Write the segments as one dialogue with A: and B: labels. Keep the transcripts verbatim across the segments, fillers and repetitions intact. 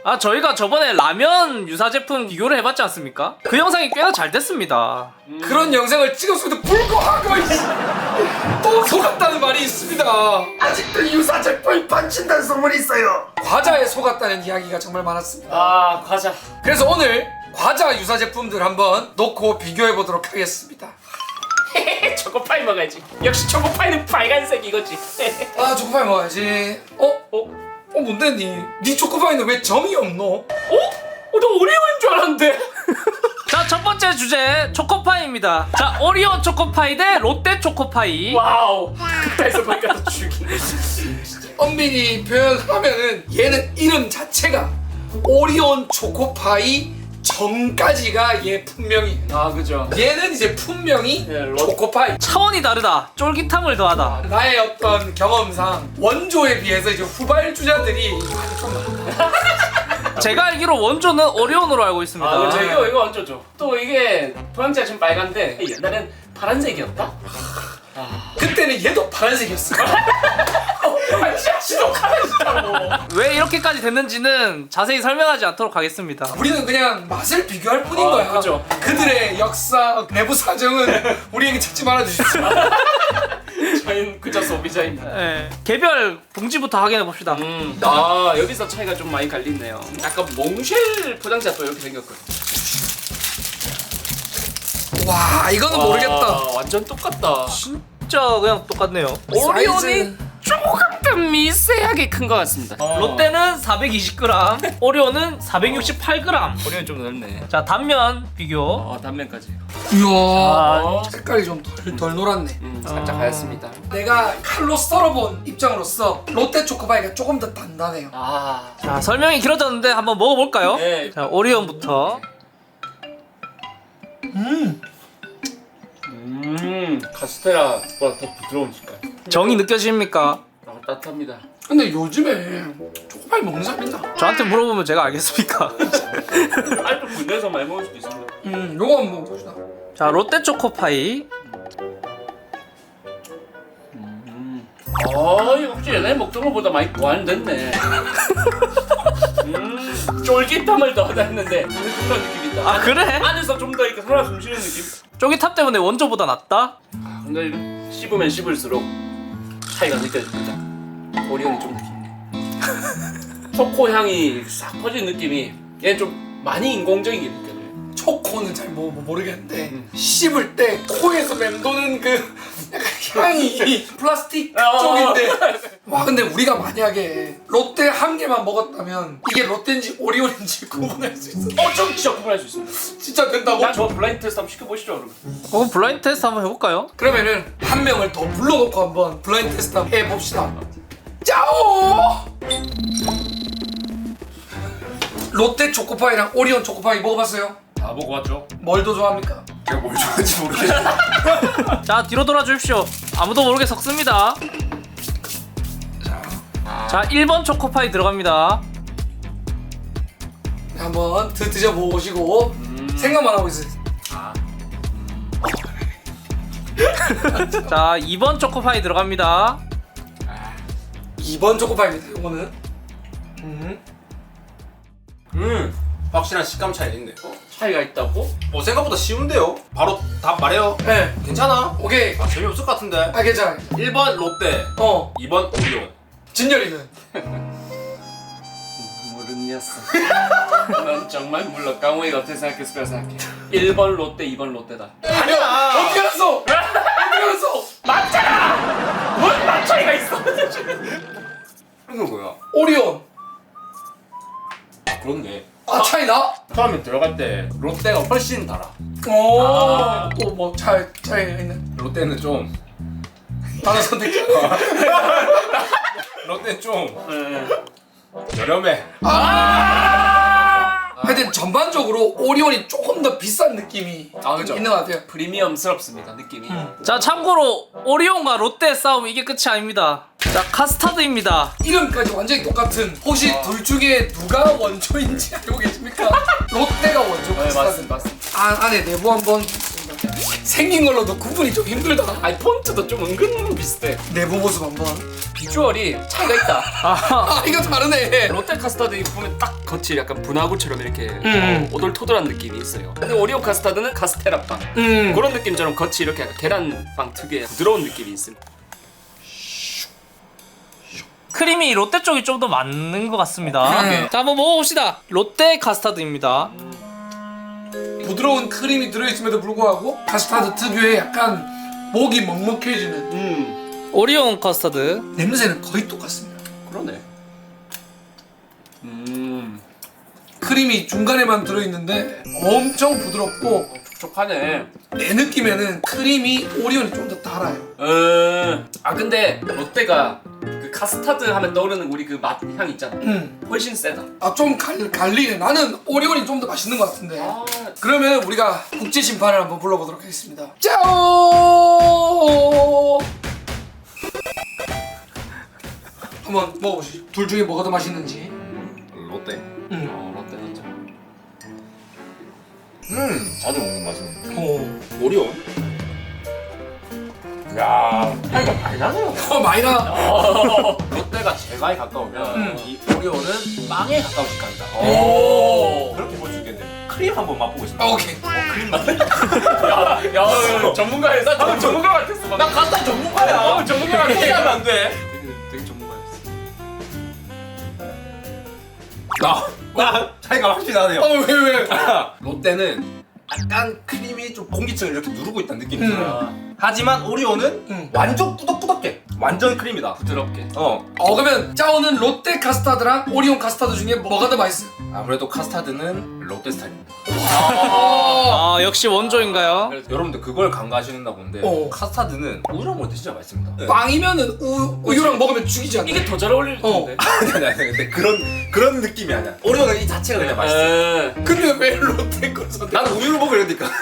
A: 아 저희가 저번에 라면 유사 제품 비교를 해봤지 않습니까? 그 영상이 꽤나 잘 됐습니다.
B: 음. 그런 영상을 찍었음에도 불구하고 또 속았다는 말이 있습니다.
C: 아직도 유사 제품이 판친다는 소문이 있어요.
B: 과자에 속았다는 이야기가 정말 많았습니다.
D: 아 과자.
B: 그래서 오늘 과자 유사 제품들 한번 놓고 비교해 보도록 하겠습니다.
D: 초코파이 먹어야지. 역시 초코파이는 빨간색 이거지.
B: 아 초코파이 먹어야지. 어?
D: 어?
B: 어 뭔데 니? 니 초코파이는 왜 점이 없노?
D: 어? 어, 나 오리오인 줄 알았는데.
A: 자, 첫 번째 주제 초코파이입니다. 자, 오리온 초코파이 대 롯데 초코파이.
D: 와우. 극단에서 보니까 더 죽이네.
B: 엄밀히 표현하면은 얘는 이름 자체가 오리온 초코파이 점까지가 얘 분명히.
D: 아 그죠.
B: 얘는 이제 분명히
D: 네, 롯-
B: 초코파이.
A: 차원이 다르다. 쫄깃함을 더하다.
B: 나의 어떤 경험상 원조에 비해서 이제 후발주자들이 좀 많아.
A: 제가 알기로 원조는 오리온으로 알고 있습니다.
D: 아 그죠. 이거 이거 얹어줘. 또 이게 포장지가 지금 빨간데 옛날엔 파란색이었다.
B: 그때는 얘도 파란색이었어.
D: 아 진짜 지독하다 진짜로.
A: 왜 이렇게까지 됐는지는 자세히 설명하지 않도록 하겠습니다.
B: 우리는 그냥 맛을 비교할 뿐인
D: 아,
B: 거야.
D: 그죠.
B: 그들의 역사, 내부 사정은 우리에게 찾지 말아 주십시오.
D: 저희는 그저 소비자입니다.
A: 예, 개별 봉지부터 확인해 봅시다.
D: 음. 아 여기서 차이가 좀 많이 갈리네요. 약간 몽쉘 포장지가 또 이렇게 생겼거든.
B: 와, 이거는 모르겠다.
D: 와, 완전 똑같다.
A: 진짜 그냥 똑같네요.
D: 오리온이
B: 사이즈.
D: 조금 더 미세하게 큰 것 같습니다.
A: 롯데는 사백이십 그램, 오리온은 사백육십팔 그램.
D: 오리온 좀 넓네.
A: 자, 단면 비교.
D: 어 단면까지.
B: 이야,
D: 어.
B: 색깔이 좀 덜 덜 노랗네.
D: 음, 살짝 하얗습니다.
B: 내가 칼로 썰어본 입장으로서 롯데 초코파이가 조금 더 단단해요.
D: 아.
A: 자, 설명이 길어졌는데 한번 먹어볼까요?
D: 네.
A: 자, 오리온부터.
B: 음,
D: 음. 카스테라보다 더 부드러운 식감.
A: 정이 느껴집니까?
D: 아 따뜻합니다.
B: 근데 요즘에 초코파이 먹는 사람 있나?
A: 저한테 물어보면 제가 알겠습니까?
D: 알도 군대에서 많이 먹을 수도 있습니다.
B: 음, 요거 한번 먹어봅시다.
A: 자, 롯데 초코파이.
D: 음. 아 이거 혹시 옛날에 먹던 것보다 많이 보완됐네. 음. 쫄깃함을 더하다 했는데 그런 느낌이다.
A: 아, 그래?
D: 안에서 좀 더 이렇게 살아 숨쉬는 느낌.
A: 쫄깃함 때문에 원조보다 낫다?
D: 근데 이거 씹으면 씹을수록 차이가 느껴집니다. 오리온이 좀 깊네. 초코 향이 싹 퍼진 느낌이 얘는 좀 많이 인공적이게 느껴져요.
B: 초코는 잘 뭐, 뭐 모르겠는데
D: 음.
B: 씹을 때 코에서 맴도는 그 약간 향이 플라스틱
D: 어.
B: 쪽인데 와 근데 우리가 만약에 롯데 한 개만 먹었다면 이게 롯데인지 오리온인지 구분할 수 있어.
D: 어, 좀 진짜 구분할 수 있습니다.
B: 진짜 된다고?
D: 난저 블라인드 테스트 한번 시켜보시죠, 그러면.
A: 그럼 블라인드 테스트 한번 해볼까요?
B: 그러면은 한 명을 더 불러놓고 한번 블라인드 테스트 한번 해봅시다. 짜오! 롯데 초코파이랑 오리온 초코파이 먹어봤어요?
D: 다 먹어봤죠?
B: 뭘 더 좋아합니까?
D: 제가 뭘 좋아하는지 모르겠어요.
A: 자, 뒤로 돌아 주십시오. 아무도 모르게 섞습니다. 자, 일 번 초코파이 들어갑니다.
B: 한번 드, 드셔보시고
D: 음.
B: 생각만 하고 있어요.
D: 아.
A: 자, 이 번 초코파이 들어갑니다.
B: 이 번 초코파이입니다. 이거는 음.
C: 음, 확실한 식감 차이 있네.
D: 어? 차이가 있다고?
C: 어, 생각보다 쉬운데요? 바로 답 말해요.
B: 네,
C: 괜찮아?
B: 오케이.
C: 아, 재미없을 것 같은데.
B: 아 괜찮아.
C: 일 번 롯데,
B: 어,
C: 이 번 오리온.
B: 진열이는
D: 모르는 녀석. 난 정말 몰라. 강호이가 어떻게 생각했을 거라 생각해. 일 번 롯데, 이 번 롯데다.
B: 아니야. 어떻게 알았어? 어떻게 알았어?
D: 맞잖아! 뭔 맞차이가 있어?
C: 이거 뭐야?
B: 오리온.
C: 아, 그렇네.
B: 아 차이 나?
C: 처음에 들어갈 때 롯데가 훨씬 달아.
B: 오,
D: 아.
B: 또뭐 차이 차이가 있네.
C: 롯데는 좀
B: 다른 선택.
C: 롯데는 좀
D: 네.
C: 저렴해.
B: 하여튼 전반적으로 오리온이 조금 더 비싼 느낌이
D: 아, 그죠?
B: 있는 것 같아요.
D: 프리미엄스럽습니다, 느낌이.
A: 자, 참고로 오리온과 롯데의 싸움 이게 끝이 아닙니다. 자, 카스타드입니다.
B: 이름까지 완전히 똑같은. 혹시 둘 중에 누가 원조인지 알고 계십니까? 롯데가 원조.
D: 네,
B: 카스타드.
D: 맞습니다, 맞습니다.
B: 안, 안에 내부 한번 보겠습니다. 생긴 걸로도 구분이 좀 힘들다.
D: 아니 폰트도 좀 은근 비슷해.
B: 내부 모습 한번.
D: 비주얼이 차이가 있다.
B: 아 이거 다르네.
D: 롯데 카스타드 보면 딱 겉이 약간 분화구처럼 이렇게
B: 음.
D: 어, 오돌토돌한 느낌이 있어요. 근데 오리온 카스타드는 카스테라빵
B: 음.
D: 그런 느낌처럼 겉이 이렇게 약간 계란빵 특유의 부드러운 느낌이 있습니다.
A: 크림이 롯데 쪽이 좀 더 맞는 것 같습니다.
B: 음.
A: 자 한번 먹어봅시다. 롯데 카스타드입니다.
B: 부드러운 크림이 들어있음에도 불구하고 카스타드 특유의 약간 목이 먹먹해지는
D: 음
A: 오리온 카스타드.
B: 냄새는 거의 똑같습니다.
D: 그러네. 음
B: 크림이 중간에만 들어있는데 엄청 부드럽고
D: 촉촉하네.
B: 내 느낌에는 크림이 오리온이 좀 더 달아요.
D: 음. 아 근데 롯데가 그 카스타드 하면 떠오르는 우리 그 맛 향 있잖아.
B: 음.
D: 훨씬 세다.
B: 아 좀 갈리네. 나는 오리온이 좀 더 맛있는 것 같은데.
D: 아
B: 그러면 우리가 국제 심판을 한번 불러보도록 하겠습니다. 짜오! 한번 먹어보시죠. 둘 중에 뭐가 더 맛있는지.
E: 롯데.
B: 음.
D: 어, 롯데 진짜.
E: 음, 자주 먹는 맛은.
B: 오.
E: 오리온. 야, 차이가 많이 나네요.
B: 어 많이 나.
D: 롯데가 제일 많이 가까우면
B: 음.
E: 이 오리온은 빵에 가까우실 겁니다.
D: 오.
E: 그렇게 볼 수 있겠네. 크림 한번 맛보고 있습니다.
B: 아 오케이.
D: 야, 야, 전문가야. 나 방금 전문가 같았어. 나
E: 카스타 전문가야.
D: 방금 전문가 같았어.
E: 포기하면 안 돼.
D: 되게, 되게 전문가였어.
E: 나, 나 차이가 확실히 나네요.
B: 어 왜 왜?
E: 롯데는 약간 크림이 좀 공기층을 이렇게 누르고 있다는 느낌이
B: 음.
E: 들어요. 하지만 오리온은
B: 음.
E: 완전 꾸덕꾸덕해. 완전 크림이다.
D: 부드럽게.
E: 어.
B: 어 그러면 짜오는 롯데 카스타드랑 오리온 카스타드 중에 뭐가 더 맛있어요?
E: 아무래도 카스타드는 롯데 스타일입니다.
A: 아 역시 원조인가요?
E: 여러분들 그걸 간과하시는가 본데
B: 어.
E: 카스타드는 우유랑 먹을 때 진짜 맛있습니다. 네.
B: 빵이면은 우, 우유랑 먹으면 죽이지 않나?
D: 이게 더 잘 어울릴
B: 어.
D: 텐데.
E: 아니 아니 아니 근데 그런 그런 느낌이 아니야. 오리온은 이 자체가 그냥 맛있어.
D: 에.
B: 근데 왜 롯데 걸 선택?
E: 나는 우유를 먹으려니까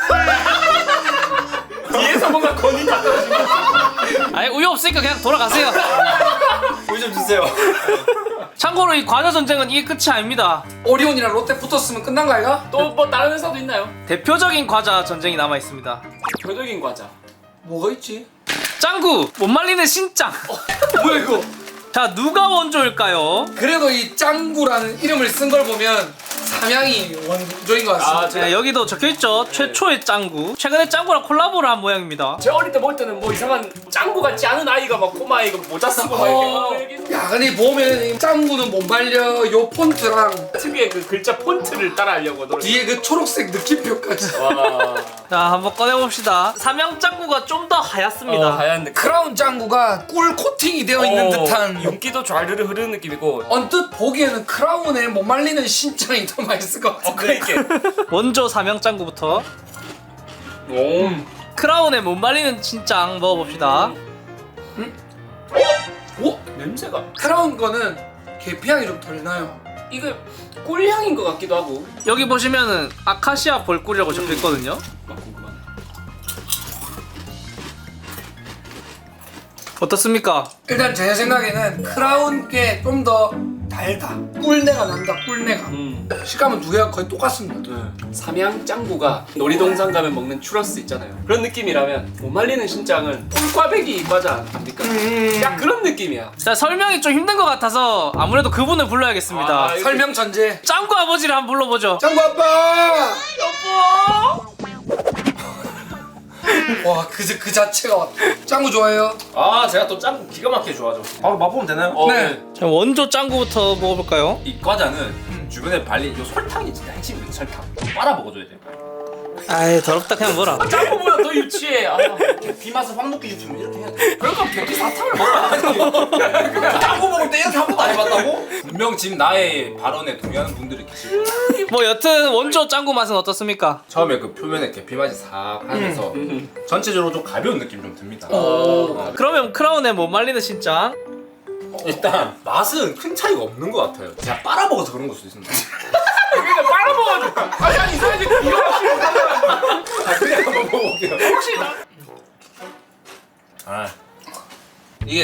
D: 뒤에서 뭔가 건이 다 떨어진 거.
A: 아니 우유 없으니까 그냥 돌아가세요.
E: 우유 좀 주세요.
A: 참고로 이 과자 전쟁은 이게 끝이 아닙니다.
B: 오리온이랑 롯데 붙었으면 끝난 거 아이가?
D: 또 뭐 다른 회사도 있나요?
A: 대표적인 과자 전쟁이 남아 있습니다.
D: 대표적인 과자.
B: 뭐가 있지?
A: 짱구 못 말리는 신짱.
B: 뭐야 이거?
A: 자 누가 원조일까요?
B: 그래도 이 짱구라는 이름을 쓴 걸 보면 삼양이 원조인 것 같습니다.
D: 아, 제가
A: 자, 여기도 적혀있죠. 최초의 짱구. 최근에 짱구랑 콜라보를 한 모양입니다.
D: 제 어릴 때 볼 때는 뭐 이상한 짱구 같지 않은 아이가 막 꼬마 이거 모자 쓰고 막
B: 어,
D: 이렇게 막
B: 야 근데 보면 이 짱구는 못 말려 요 폰트랑
D: 특유의 그 글자 폰트를 따라하려고 노래.
B: 뒤에 그 초록색 느낌표까지.
D: 와.
A: 자 한번 꺼내봅시다. 삼양 짱구가 좀 더 하얗습니다.
D: 어, 하얀 느낌.
B: 크라운 짱구가 꿀 코팅이 되어 있는
D: 어,
B: 듯한.
D: 윤기도 좌르르 흐르는 느낌이고.
B: 언뜻 보기에는 크라운에 못 말리는 신짱이 더 맛있을 것
D: 어,
B: 같은데.
D: 그러니까.
A: 원조 삼양 짱구부터
D: 오.
A: 크라운에 못 말리는 신짱 먹어봅시다.
B: 오?
D: 냄새가.
B: 크라운 거는 계피향이 좀 덜 나요.
D: 이거 꿀향인 것 같기도 하고.
A: 여기 보시면은 아카시아 벌꿀이라고 적혀있거든요.
D: 막 궁금하네.
A: 어떻습니까?
B: 일단 제 생각에는 크라운 게 좀 더 달다. 꿀내가 난다. 꿀내가.
D: 음.
B: 식감은 두 개가 거의 똑같습니다.
D: 삼양 짱구가 놀이동산 가면 먹는 추러스 있잖아요. 그런 느낌이라면 못 말리는 신짱은 꿀꽈배기 과자 아닙니까?
B: 음.
D: 약 그런 느낌이야.
A: 자 설명이 좀 힘든 것 같아서 아무래도 그분을 불러야겠습니다.
D: 아, 이거-
B: 설명 천재.
A: 짱구 아버지를 한번 불러보죠.
B: 짱구 아빠.
D: 여보.
B: 와, 그, 그 자체가 왔다. 짱구 좋아해요?
E: 아 제가 또 짱구 기가 막히게 좋아하죠. 바로 맛보면 되나요?
D: 어,
B: 네.
A: 자 원조 짱구부터 먹어볼까요?
E: 이 과자는 주변에 발린 이 설탕이 진짜 핵심이에요. 설탕. 빨아 먹어줘야 돼요.
A: 아이 더럽다 그냥 뭐라.
D: 짱구보다 더 유치해. 아,
E: 계피 맛을 확 느끼고 싶으면 이렇게 해야 돼.
D: 그러니까 계피 사탕을 먹어야지.
E: 짱구 먹을 때 이렇게 한 번도 안 해봤다고? 분명 지금 나의 발언에 동의하는 분들이 계실 거예요.
A: 뭐 여튼 원조 짱구 맛은 어떻습니까?
E: 처음에 그 표면에 계피 맛이 싹 하면서 전체적으로 좀 가벼운 느낌이 좀 듭니다.
B: 어.
E: 어.
A: 그러면 크라운에 못 말리는 신짱.
E: 일단 맛은 큰 차이가 없는 것 같아요. 제가 빨아 먹어서 그런 걸 수도 있습니다.
D: 그러니까 빨아먹어줘. 아니 아니 이상하지. 이거
E: 아, 그냥 한번 먹어볼게요.
D: 혹시 나
E: 아 이게 확실히 아,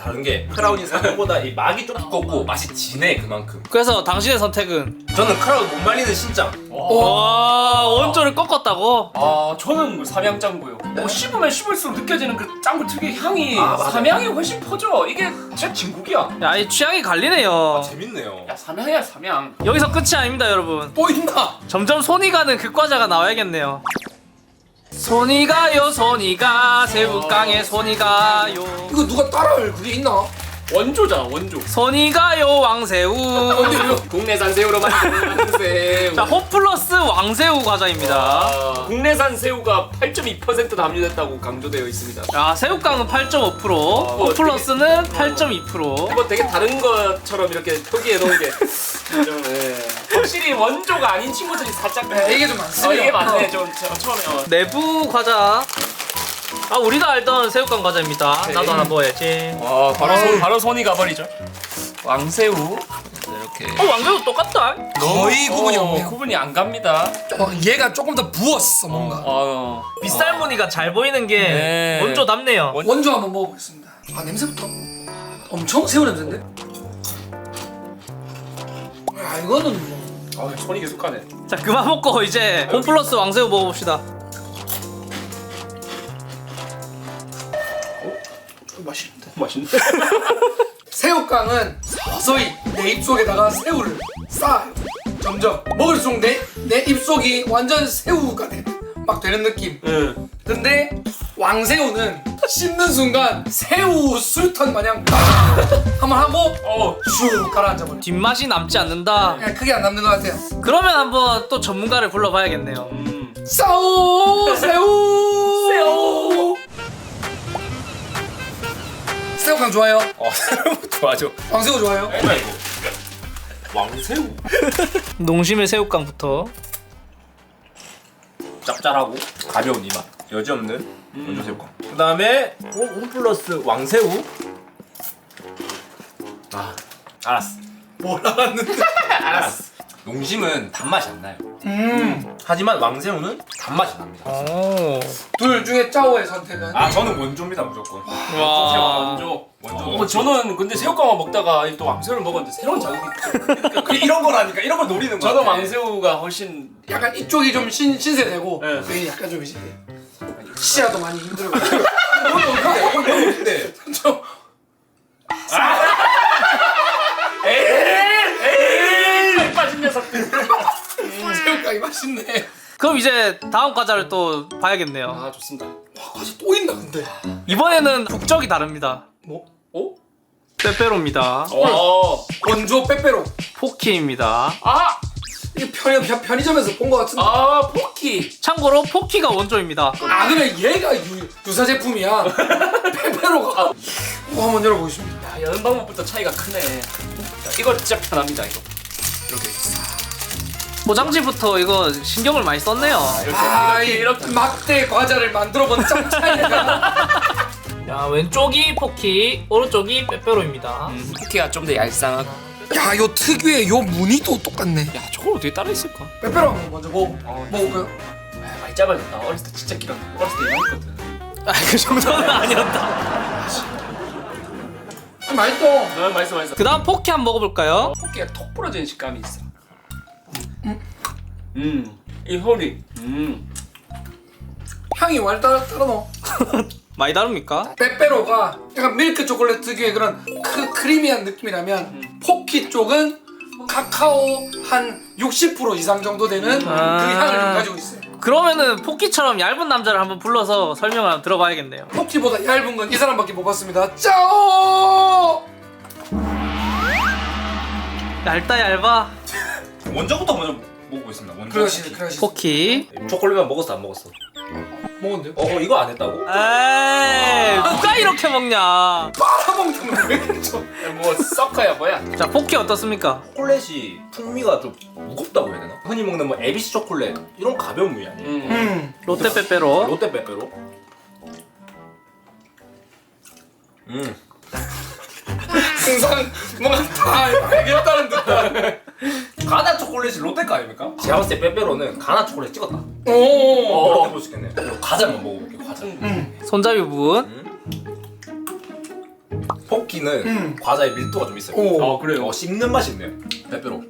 E: 다른 게 크라운이 생각보다 이 막이 좀 두껍고 맛이 진해 그만큼.
A: 그래서 당신의 선택은
E: 저는 크라운 못 말리는 신장.
A: 와 원조를 꺾었다고?
D: 아 저는 뭐 삼양짱구요. 뭐 씹으면 씹을수록 느껴지는 그 짱구 특유의 향이
E: 아, 맞아요.
D: 삼양이 훨씬 퍼져. 이게 진짜 진국이야.
A: 야 이 취향이 갈리네요.
E: 재밌네요.
D: 야 삼양이야 삼양.
A: 여기서 끝이 아닙니다 여러분.
B: 또 있나?
A: 점점 손이 가는 그 과자가 나와야겠네요. 손이 가요 손이 가 새우깡에 손이 가요
B: 이거 누가 따라할 그게 있나?
D: 원조잖아 원조.
A: 손이 가요 왕새우.
D: 국내산 새우로 만든 새우.
A: 자 홈플러스 왕새우 과자입니다.
D: 아, 국내산 새우가 팔 점 이 퍼센트 함유됐다고 강조되어 있습니다.
A: 야 새우깡은 팔 점 오 퍼센트, 홈플러스는 팔 점 이 퍼센트.
D: 이거 되게 다른 것처럼 이렇게 표기해 놓은 게 좀, 예. 확실히 원조가 아닌 친구들이 살짝
B: 네, 이게 좀 많습니다.
D: 어, 이게 맞네 좀 저- 처음에 어.
A: 내부 과자. 아 우리가 알던 새우깡 과자입니다.
D: 네.
A: 나도 하나 먹어야지.
D: 와 바로 손 바로 손이 가버리죠. 왕새우 이렇게
A: 어 왕새우 똑같다.
B: 거의 구분이
D: 어,
B: 없네요.
D: 구분이 안 갑니다.
B: 어, 얘가 조금 더 부었어 뭔가.
D: 어,
A: 빗살 무늬가 잘 보이는 게
D: 네.
A: 원조답네요.
D: 원-
B: 원조 한번 먹어보겠습니다. 아 냄새부터 엄청 새우 냄새인데? 아 이거는 뭐
D: 아, 손이 계속 가네.
A: 자 그만 먹고 이제 홈플러스 왕새우 먹어봅시다.
B: 맛있는데.
D: 맛있네.
B: 새우깡은 서서히 내 입속에다가 새우를 쌓아요. 점점 먹을수록 내, 내 입속이 완전 새우가 돼. 막 되는 느낌.
D: 응.
B: 근데 왕새우는 씹는 순간 새우 술탄 마냥 한번 하고
D: 어.
B: 슉 가라앉아버려.
A: 뒷맛이 남지 않는다.
B: 그냥 크게 안 남는 것 같아요.
A: 그러면 한번 또 전문가를 불러봐야겠네요.
D: 음.
B: 싸우 새우
D: 새우.
B: 새우깡 좋아요?
E: 어 좋아죠.
B: 왕새우 좋아요?
E: 뭐야 이거? 왕새우.
A: 농심의 새우깡부터.
E: 짭짤하고 가벼운 이 맛. 여지 없는 원조 새우깡. 그다음에 홈플러스 왕새우. 아 알았어.
B: 뭘 알았는데?
E: 알았어. 농심은 단맛이 안 나요.
B: 음.
E: 하지만 왕새우는 단맛이 납니다.
A: 오.
B: 둘 중에 짜오의 선택은?
E: 아 저는 원조입니다 무조건.
A: 와.
D: 원조.
E: 원조.
D: 어, 저는 근데 새우깡만 먹다가 또 왕새우를 먹었는데 새로운 자극이 있죠.
E: 그 이런 거라니까 이런 걸 노리는 거야.
D: 저는 왕새우가 훨씬
B: 약간 이쪽이 좀 신, 신세되고
D: 네.
B: 여기 약간 좀 이제 시야도 많이 힘들고
E: 근데
B: 좀
D: 에이 빠진 녀석들.
B: 새우깡이 맛있네.
A: 그럼 이제 다음 과자를 또 봐야겠네요.
D: 아 좋습니다.
B: 와 과자 또 있나 근데.
A: 이번에는 국적이 다릅니다.
B: 뭐?
D: 오?
A: 빼빼로입니다.
D: 어.
B: 원조 빼빼로.
A: 포키입니다.
D: 아.
B: 이게 편의, 편- 편의점에서 본 것 같은데.
D: 아 포키.
A: 참고로 포키가 원조입니다.
B: 아 그래 얘가 유, 유사 제품이야. 빼빼로가. 어, 한번 열어보겠습니다.
D: 야 여는 방법부터 차이가 크네. 자, 이거 진짜 편합니다 이거. 이렇게
A: 포장지부터 이거 신경을 많이 썼네요.
D: 이렇게
B: 아,
D: 이렇게
B: 이
D: 이렇게.
B: 막대 과자를 만들어본 짱 차이가.
A: 자 왼쪽이 포키, 오른쪽이 빼빼로입니다.
D: 음, 포키가 좀 더 얄쌍하고.
B: 야, 요 특유의 요 무늬도 똑같네.
D: 야 저걸 어떻게 따라 했을까?
B: 빼빼로 한번 먼저 먹어.
D: 어,
B: 먹을까요?
D: 아, 많이 짧아졌다. 어렸을 때 진짜 길었. 어렸을 때 이만했거든.
A: 아 그 정도는 아니었다.
B: 아, 맛있어.
D: 아, 맛있어 맛있어.
A: 그 다음 포키 한번 먹어볼까요?
D: 포키가 톡 부러지는 식감이 있어. 음, 이 혈이. 음,
B: 향이 완 따라 따라 넣어.
A: 많이 다릅니까?
B: 빼빼로가 약간 밀크 초콜릿 특유의 그런 크, 크리미한 느낌이라면 포키 쪽은 카카오 한 육십 퍼센트 이상 정도 되는 그
A: 아.
B: 향을 좀 가지고 있어요.
A: 그러면은 포키처럼 얇은 남자를 한번 불러서 설명을 한번 들어봐야겠네요.
B: 포키보다 얇은 건 이 사람밖에 못 봤습니다. 짜오!
A: 얇다 얇아.
E: 원조부터 먼저 먹어보겠습니다. 원조.
B: 그러시네, 그러시네.
A: 포키.
E: 초콜릿만 먹었어 안 먹었어?
B: 먹었는데요?
E: 어, 어 이거 안 했다고?
A: 에이 누가 이렇게 먹냐.
B: 빨아먹는 왜 이렇게 좀.
D: 뭐 서커야 뭐야?
A: 자 포키 어떻습니까?
E: 초콜릿이 풍미가 좀 무겁다고 해야 되나? 흔히 먹는 뭐 에비스 초콜릿 이런 가벼운 무이 아니에요?
D: 음.
B: 음.
A: 롯데 빼빼로.
E: 롯데 빼빼로. 음.
B: 항상 뭔가 다 알겠다는 듯한.
E: 가나 초콜릿이 롯데 거 아닙니까? 제가 봤을 때 빼빼로는 가나 초콜릿 찍었다.
B: 오.
E: 어, 그렇게 볼 수 있겠네. 그리고 과자만 먹어볼게요. 과자.
B: 음.
A: 손잡이 부분.
E: 포키는 포키는
B: 음.
E: 과자의 밀도가 좀 있어요.
B: 오.
D: 어 그래요.
E: 어, 씹는 맛이 있네요. 빼빼로.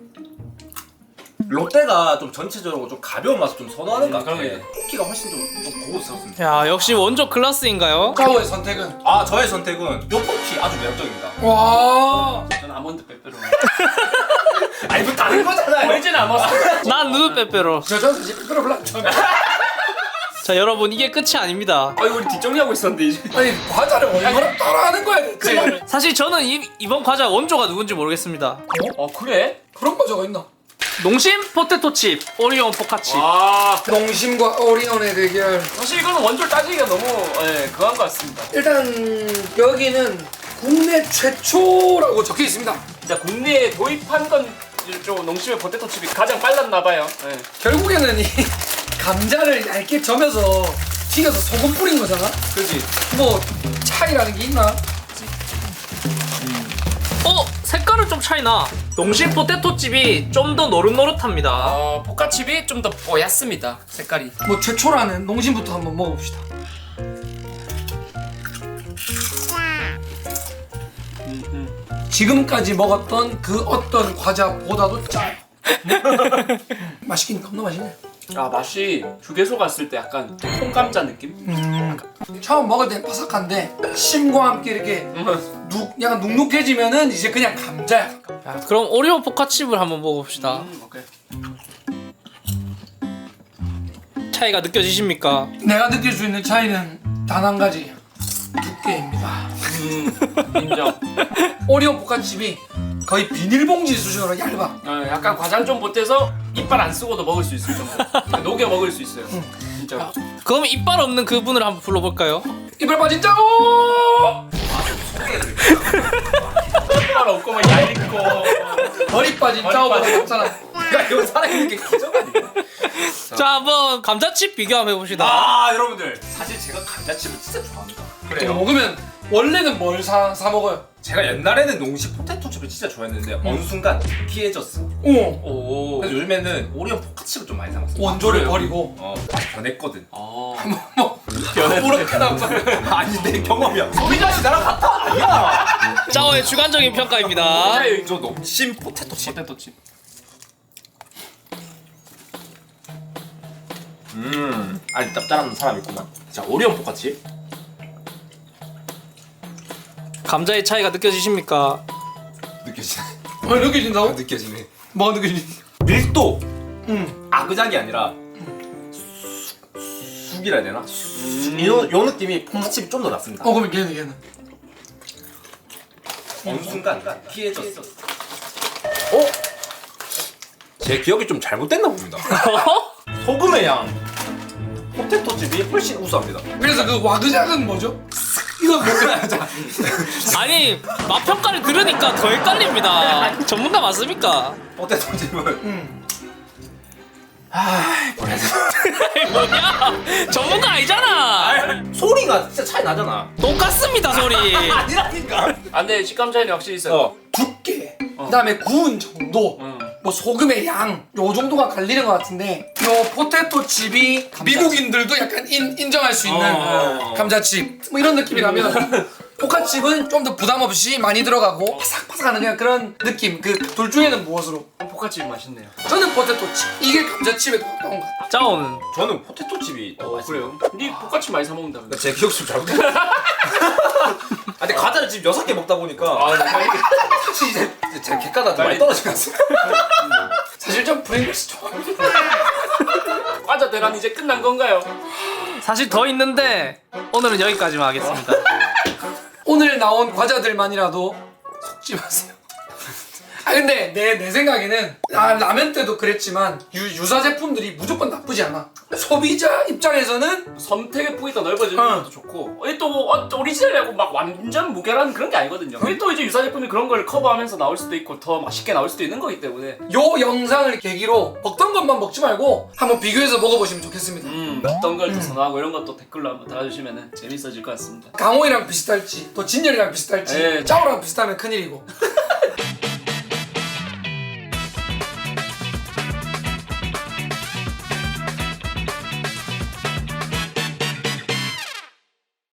E: 롯데가 좀 전체적으로 좀 가벼운 맛을 좀 선호하는 것 같아요.
D: 그러네.
E: 포키가 훨씬 좀, 좀 고급스럽습니다.
A: 야 역시 원조 클라스인가요?
B: 짜오의 선택은
E: 아 저의 선택은 요 포키 아주 매력적입니다.
B: 와
D: 저는 아몬드 빼빼로.
E: 아니 뭐 다른 거잖아요.
D: 오리지널 아몬드.
A: 난 누드 빼빼로.
B: 저 저는 사실 빼빼로 별로 안 좋아해요.
A: 자 여러분 이게 끝이 아닙니다.
D: 아 이거 우리 뒷정리하고 있었는데 이제.
B: 아니 과자를 얼마나 따라하는 거야 대체.
A: 사실 저는 이, 이번 과자 원조가 누군지 모르겠습니다.
D: 어 그래?
B: 그런 과자가 있나?
A: 농심 포테토칩 오리온 포카칩.
D: 와.
B: 농심과 오리온의 대결.
D: 사실 이거는 원조 따지기가 너무 예, 그한 것 같습니다.
B: 일단 여기는 국내 최초라고 적혀 있습니다.
D: 진짜 국내에 도입한 건 좀 농심의 포테토 칩이 가장 빨랐나 봐요. 예.
B: 결국에는 이 감자를 얇게 점여서 튀겨서 소금 뿌린 거잖아.
E: 그지.
B: 뭐 차이라는 게 있나?
A: 어 색깔은 좀 차이나. 농심 포테토칩이 좀 더 노릇노릇합니다.
D: 어, 포카칩이 좀 더 뽀얗습니다. 색깔이.
B: 뭐 최초라는 농심부터 한번 먹어봅시다. 지금까지 먹었던 그 어떤 과자보다도 짜요. 맛있긴 겁나 맛있네.
D: 아 맛이 휴게소 갔을 때 약간 통감자 느낌?
B: 음, 처음 먹을 땐 바삭한데 심과 함께 이렇게 눅, 약간 눅눅해지면은 이제 그냥 감자야.
A: 야, 그럼 오리온 포카칩을 한번 먹어봅시다.
D: 음, 오케이.
A: 차이가 느껴지십니까?
B: 내가 느낄 수 있는 차이는 단 한 가지. 두께입니다.
D: 음, 인정.
B: 오리온 포카칩이 거의 비닐봉지 수준으로 얇아.
D: 어, 약간 과장 좀 못해서 이빨 안 쓰고도 먹을 수 있을 정도. 그냥 녹여 먹을 수 있어요. 진짜.
A: 그럼 이빨 없는 그분을 한번 불러볼까요?
B: 이빨 빠진 짜오!
D: 이빨 없고 막 얇고.
B: 머리 빠진 짜오보다 없잖아.
E: 야 이거 살아있는 게 기적 아니야?
A: 자 한번 감자칩 비교 한번 해봅시다.
E: 아 여러분들 사실 제가 감자칩을 진짜 좋아합니다.
B: 이거 먹으면 원래는 뭘 사 사 먹어요?
E: 제가 옛날에는 농심 포테토칩을 진짜 좋아했는데 어느 순간 피해졌어.
B: 오
D: 오.
E: 그래서 요즘에는 오리온 포카칩을 좀 많이 사 먹어.
B: 원조를
D: 그래요?
B: 버리고
E: 어 많이 변했거든.
D: 어.
B: 뭐 아무렇게나 봐.
E: 아니 내 경험이야. 소비자씨 나랑 같아 아니야.
A: 짜오의 주관적인 평가입니다.
E: 저 농심 포테토칩.
D: 포테토칩.
E: 음 아니 짭짤한 사람 있구만. 자 오리온 포카칩.
A: 감자의 차이가 느껴지십니까?
E: 느껴지네.
B: 어 느껴진다고?
E: 느껴지네.
B: 뭐가 느껴지?
E: 밀도
B: 응.
E: 아그작이 아니라 쑥- 쑥이라 해야 되나?
D: 음.
E: 요, 요 느낌이 포카칩이 좀 더 낫습니다.
B: 어 그러면 걔는 걔는.
E: 어느 순간 피해졌어. 어? 제 기억이 좀 잘못됐나 봅니다. 소금의 양 포테토칩이 훨씬 우수합니다.
B: 그래서 그 와그작은 뭐죠? 이거 뭐야?
A: 아니 맛 평가를 들으니까 더 헷갈립니다. 전문가 맞습니까?
E: 포테토칩은
B: 응.
E: 아 뭐라 해야 되나?
A: 뭐야? 전문가 아니잖아.
E: 소리가 진짜 차이 나잖아.
A: 똑같습니다 소리.
E: 아니라니까.
D: 아 근데 식감 차이는 확실히 있어요.
E: 어.
B: 두께. 그다음에 구운 정도.
D: 음.
B: 뭐 소금의 양, 요 정도가 갈리는 것 같은데 요 포테토 칩이 미국인들도 약간 인, 인정할 수 있는
E: 어.
B: 감자칩 뭐 이런 느낌이라면 포카칩은 좀 더 부담 없이 많이 들어가고 바삭바삭하는 그냥 그런 느낌. 그 둘 중에는 무엇으로?
D: 포카칩 맛있네요.
B: 저는 포테토 칩. 이게 감자칩에 더 가까운 것 같아요.
A: 짜오는
E: 저는 포테토칩이 더 맛있어요.
D: 그래요? 니 포카칩 많이 사 먹는다. 근데.
E: 제 기억 좀 잘못됐. 아 근데 과자를 지금 여섯 개 먹다 보니까
D: 아, 나 이게
E: 사실 이제 제 객가가 좀 많이 떨어진 것 같습니다.
B: 사실 좀 프링글스 좋아합니다.
D: 과자 대란 이제 끝난 건가요?
A: 사실 더 있는데 오늘은 여기까지만 하겠습니다.
B: 오늘 나온 과자들만이라도 속지 마세요. 아 근데 내, 내 생각에는 아, 라면 때도 그랬지만 유, 유사 제품들이 무조건 나쁘지 않아. 소비자 입장에서는
D: 선택의 폭이 더 넓어지는
B: 어.
D: 것도 좋고 이게 또 어, 오리지널이라고 막 완전 무결한 그런 게 아니거든요. 이게 또 이제 유사 제품이 그런 걸 커버하면서 나올 수도 있고 더 맛있게 나올 수도 있는 거기 때문에
B: 요 영상을 계기로 먹던 것만 먹지 말고 한번 비교해서 먹어보시면 좋겠습니다.
D: 음 어떤 걸 더 선호하고 이런 것도 댓글로 한번 달아주시면 재밌어질 것 같습니다.
B: 강호이랑 비슷할지 또 진열이랑 비슷할지
D: 예.
B: 짜오랑 비슷하면 큰일이고